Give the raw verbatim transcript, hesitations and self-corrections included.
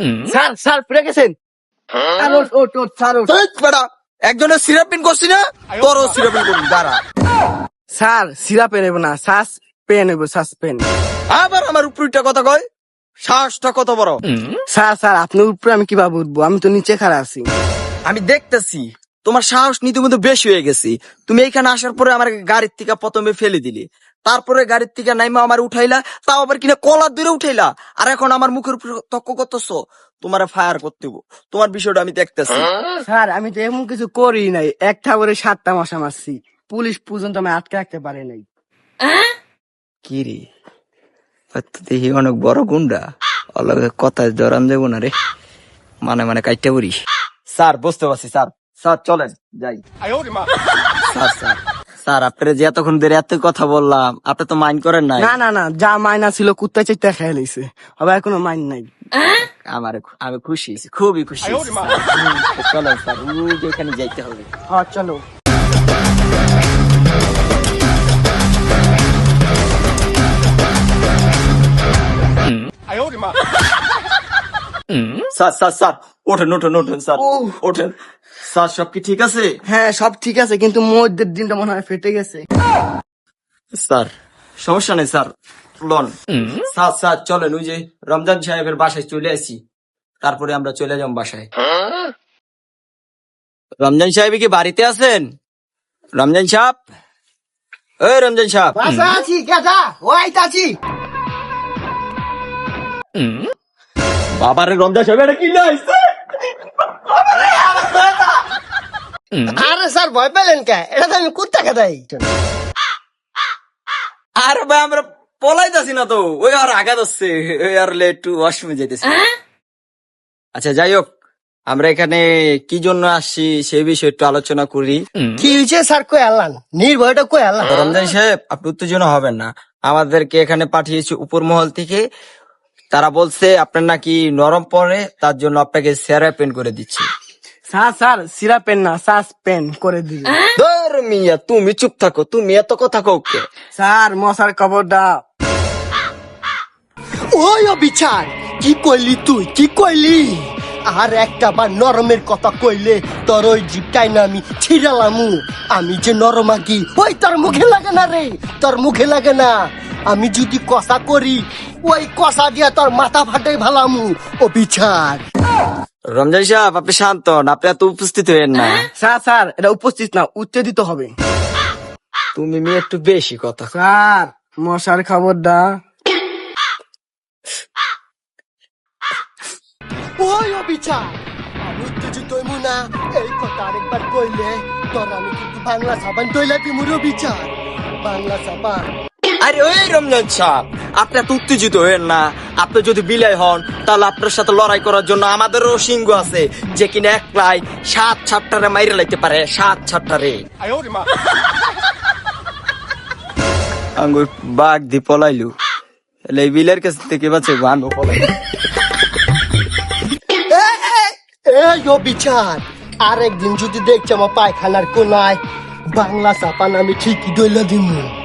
Sir sir পড়ে গেছেন। আর ওঠ ওঠ ওঠ স্যার ওঠ। এই বেটা, একজনের সিরাপিন করছি না, তোরও সিরাপিন করবি, দাঁড়া। স্যার সিরাপে নেব না, শ্বাস পেন নেব, শ্বাস পেন। আবার আমার উপরটা কথা কয়, শ্বাসটা কত বড়। স্যার স্যার আপনার উপরে আমি কিভাবে উঠবো, আমি তো নিচে খাড়া আছি। আমি দেখতেছি তোমার সাহস নিতে মধ্যে বেশি হয়ে গেছি। তুমি এইখানে আসার পরে আমার গাড়ির থেকে প্রথমে ফেলে দিলি, তারপরে গাড়ির থেকে নাইমা আমার উঠাইলা, তাও আবার কিনা কলার দূরে উঠাইলা, আর এখন আমার মুখের উপর তক্ক করতেছো। তোমার ফায়ার করতে হইব, তোমার বিষয়টা আমি দেখতেছি। স্যার আমি তো এমন কিছু করি নাই, একটা করে সাতটা মশা মারছি, পুলিশ পর্যন্ত আমি আটকে রাখতে পারে নাই। কি রে, দেখি অনেক বড় গুন্ডা, অলগে কথা জরান যাবো না রে, মানে মানে কাইটা পড়ি। স্যার বুঝতে পারছি স্যার, স্যার চলেন যাই। স্যার স্যার স্যার আপনারা যে এতক্ষণ ধরে এত কথা বললাম, আপনি তো মাইন্ড করেন নাই? না না না, যা মাইনা ছিল কুত্তা চাইতে খেয়ে লইছে, আবার কোনো মাইন নাই। আমার আমি খুশি হয়েছি, খুবই খুশি হয়েছি। চলেন স্যার, ওই যে ওখানে যাইতে হবে। হ্যাঁ চলো। স্যার স্যার স্যার ওঠেন ওঠেন ওঠেন স্যার, ওঠেন স্যার। সব কি ঠিক আছে? হ্যাঁ সব ঠিক আছে, কিন্তু মধ্যের দিনটা মনে হয় ফেটে গেছে। স্যার সমস্যা নেই স্যার, লন। স্যার স্যার চলেন, ওই যে রমজান সাহেবের বাসায় চলে আসি, তারপরে আমরা চলে যাব বাসায়। রমজান সাহেব কি বাড়িতে আছেন? রমজান সাহেব, ওই রমজান সাহেব। আছি গেছা ওয়াইট আছি। বাবারে রমজান সাহেব, এটা কি লাইছে? আরে স্যার ভয় পেলেন কে, এটা তো আমি কুত্তা খেতাই। আর ভাই আমরা পলাইতাছি না তো, ওই আর আঘাত হচ্ছে, ওই আর একটু ওয়াশরুমে যেতেছি। আচ্ছা যাই হোক, আমরা এখানে কি জন্য আসছি সেই বিষয়ে একটু আলোচনা করি। কি হয়েছে স্যার, কই আল্লাহ নির্ভয়টা কই আল্লাহ। রমজান সাহেব আপনি উত্তেজনা হবেন না, আমাদেরকে এখানে পাঠিয়েছে উপর মহল থেকে। তারা বলছে আপনার নাকি নরম পড়ে, তার জন্য আপনাকে সেরাপেন করে দিচ্ছে। স্যার স্যার সিরা পেন না, শ্বাস পেন করে দিল। ধর মিয়া, তুমি চুপ থাকো, তুমি এত কথা কওকে। স্যার মশার খবরটা। ওই বিচার কি কইলি তুই, কি কইলি? আর একটা বার নরমের কথা কইলে তোর ওই জিপটাই না আমি ছিড়ালামু। আমি যে নরমাগি, ওই তোর মুখে লাগে না রে, তোর মুখে লাগে না। আমি যদি কষা করি, ওই কষা দিয়া তোর মাথা ফাটাই ভালামু। ও বিচার। রমজান সাহেব আপনি শান্ত হন, আপনি এত উপস্থিত হয়েন না। স্যার স্যার এটা উপস্থিত না, উচ্চেদিত হবে। তুমি মেয়ে একটু বেশি কথা। স্যার মশার খবরটা। ওই ও বিচার, আমি উত্তেজিত হইমু না। এই কথা আরেকবার কইলে তোর আমি কিন্তু বাংলা সাবান তৈলা দিমুরো বিচার, বাংলা সাবান। আরে ওই রমজান সাহেব আপনি এত উত্তেজিত হয়েন না। আপনি যদি বিলাই হন, তাহলে আপনার সাথে লড়াই করার জন্য আমাদেরও সিংহ আছে, যে কিনা একলাই সাত ছাপটারে মাইরে লাইতে পারে, সাত ছাপটারে। আঙ্গুর বাঘ দি পলাইলু, এই বিলের কাছ থেকে বাঁচে বানো পলাই। এই ও বিচার, আরেকদিন যদি দেখছি আমার পায়খানার কোনায় বাংলা সাবান, আমি ঠিকই দইলা দিমু।